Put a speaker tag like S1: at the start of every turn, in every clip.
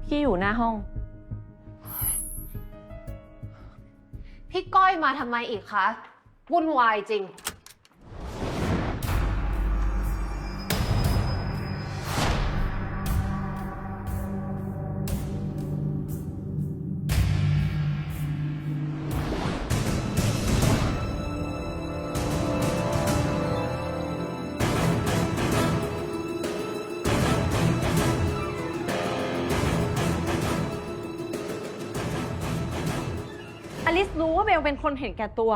S1: พี่อยู่หน้าห้อง
S2: พี่ก้อยมาทำไมอีกคะวุ่นวายจริง
S1: อลิซรู้ว่าเบลเป็นคนเห็นแก่ตัว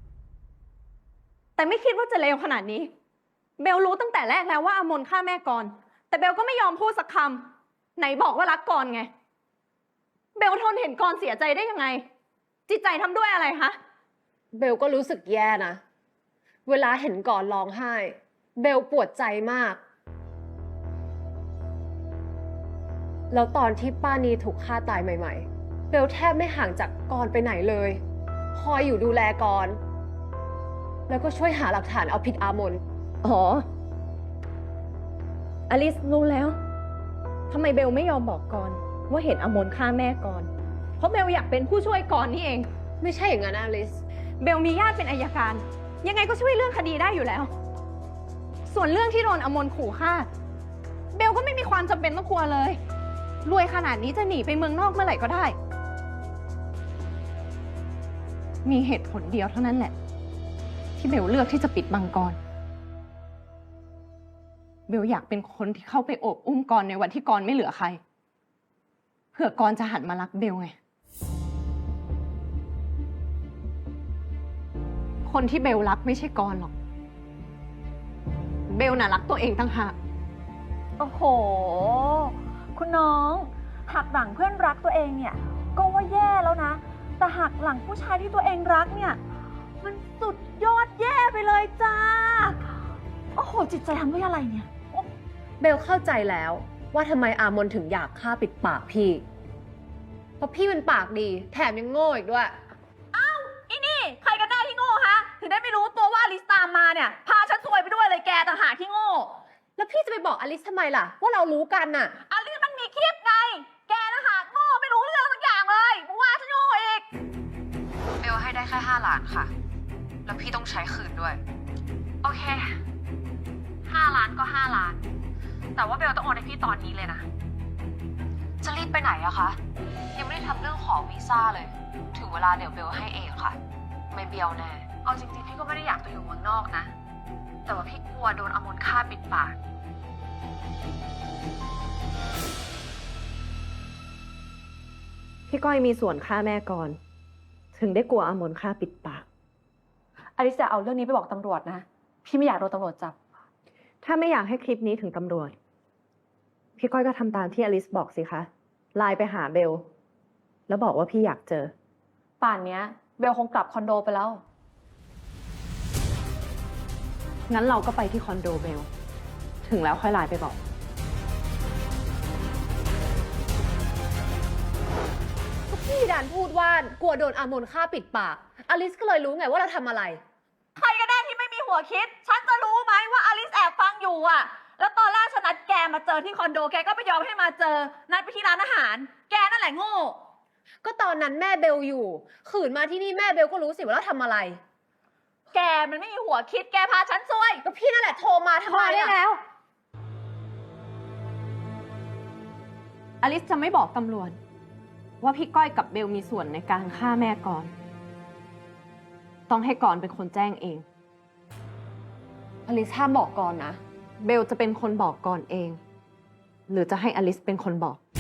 S1: แต่ไม่คิดว่าจะเลวขนาดนี้ เบลรู้ตั้งแต่แรกแล้วว่าอมนฆ่าแม่ก่อน แต่เบลก็ไม่ยอมพูดสักคำไหนบอกว่ารักก่อนไง เบลทนเห็นก่อนเสียใจได้ยังไง จิตใจทำด้วยอะไรคะ
S2: เบลก็รู้สึกแย่นะเวลาเห็นก่อนร้องไห้เบลปวดใจมากแล้วตอนที่ป้านีถูกฆ่าตายใหม่ๆเบลแทบไม่ห่างจากกรไปไหนเลยคอยอยู่ดูแลกรแล้วก็ช่วยหาหลักฐานเอาผิดอามน
S1: อ๋อ อลิซรู้แล้วทำไมเบลไม่ยอมบอกก่อนว่าเห็นอมนฆ่าแม่ก่อน เพราะเบลอยากเป็นผู้ช่วยก่อนนี่เอง
S2: ไม่ใช่อย่างนั้นอลิซ
S1: เบลมีญาติเป็นอัยการ ยังไงก็ช่วยเรื่องคดีได้อยู่แล้ว ส่วนเรื่องที่โดนอมนขู่ฆ่า เบลก็ไม่มีความจำเป็นต้องกลัวเลย รวยขนาดนี้จะหนีไปเมืองนอกเมื่อไหร่ก็ได้ มีเหตุผลเดียวเท่านั้นแหละ ที่เบลเลือกที่จะปิดบังกร เบลอยากเป็นคนที่เข้าไปโอบอุ้มกรในวันที่กรไม่เหลือใคร เผื่อกรจะหันมารักเบลไง คนที่เบลรักไม่ใช่กรหรอก เบลน่ะรักตัวเองตั้งหาก
S3: โอ้โห คุณน้องหักหลังเพื่อนรักตัวเองเนี่ยก็ว่าแย่แล้วนะ แต่หักหลังผู้ชายที่ตัวเองรักเนี่ยมันสุดยอดแย่ไปเลยจ้า โอ้โห จิตใจทำด้วยอะไรเนี่ย
S2: เบลเข้าใจแล้วว่าทำไมอามนถึงอยากฆ่าปิดปากพี่เพราะพี่เป็นปากดีแถมยังโง่อีกด้วย
S3: อีนี่ใครกันแน่ที่โง่ฮะถึงได้ไม่รู้ตัวว่าอลิสตามมาเนี่ยพาฉันซวยไปด้วยเลยแกต่างหากที่โง่
S2: แล้วพี่จะไปบอกอลิซทำไมล่ะว่าเรารู้กันน่ะ
S3: อลิสมันมีคลิปไงแกต่างหากโง่ไม่รู้เรื่องสักอย่างเลยมาว่าฉันโง่อีก
S4: เบลให้ได้แค่5 ล้านค่ะ แล้วพี่ต้องใช้คืนด้วย โอเค5 ล้านก็5 ล้าน แต่ว่าเบลต้องโอนให้พี่ตอนนี้เลยนะ จะรีบไปไหนอะคะ ยังไม่ได้ทำเรื่องขอวีซ่าเลย ถึงเวลาเดี๋ยวเบลให้เองค่ะ ไม่เบี้ยวแน่ เอาจริงๆพี่ก็ไม่ได้อยากไปอยู่เมืองนอกนะ แต่ว่าพี่กลัวโดนอมนฆ่าปิดปาก
S1: พี่ก้อยมีส่วนฆ่าแม่ก่อน ถึงได้กลัวอมนฆ่าปิดปาก
S3: อลิสจะเอาเรื่องนี้ไปบอกตำรวจนะ พี่ไม่อยากโดนตำรวจจับ
S1: ถ้าไม่อยากให้คลิปนี้ถึงตำรวจ พี่ก้อยก็ทำตามที่อลิซบอกสิคะ ไลน์ไปหาเบล แล้วบอกว่าพี่อยากเจอ
S3: ป่านเนี้ยเบลคงกลับคอนโดไปแล้ว
S1: งั้นเราก็ไปที่คอนโดเบล ถึงแล้วค่อยไลน์ไปบอก
S2: พี่ดันพูดว่ากลัวโดนอามนฆ่าปิดปากอลิซก็เลยรู้ไงว่าเราทำอะไร
S3: ใครก็ได้ที่ไม่มีหัวคิด ฉันจะรู้ไหมว่าอลิสแอบฟังอยู่อ่ะ แล้วตอนแรกฉันนัดแกมาเจอที่คอนโด แกก็ไม่ยอมให้มาเจอ นัดไปที่ร้านอาหาร แกนั่นแหละโง่
S2: ก็ตอนนั้นแม่เบลอยู่ขืนมาที่นี่แม่เบลก็รู้สิว่าเราทำอะไร
S3: แกมันไม่มีหัวคิด แกพาฉันซวย
S2: ก็พี่นั่นแหละโทรมาทำ
S1: พ
S2: ไม
S1: อได้
S2: อะ
S1: แล้ว อลิซจะไม่บอกตำรวจว่าพี่ก้อยกับเบลมีส่วนในการฆ่าแม่ก่อน ต้องให้ก่อนเป็นคนแจ้งเอง
S2: อลิซห้ามบอกก่อนนะ
S1: เบลจะเป็นคนบอกก่อนเอง หรือจะให้อลิซเป็นคนบอก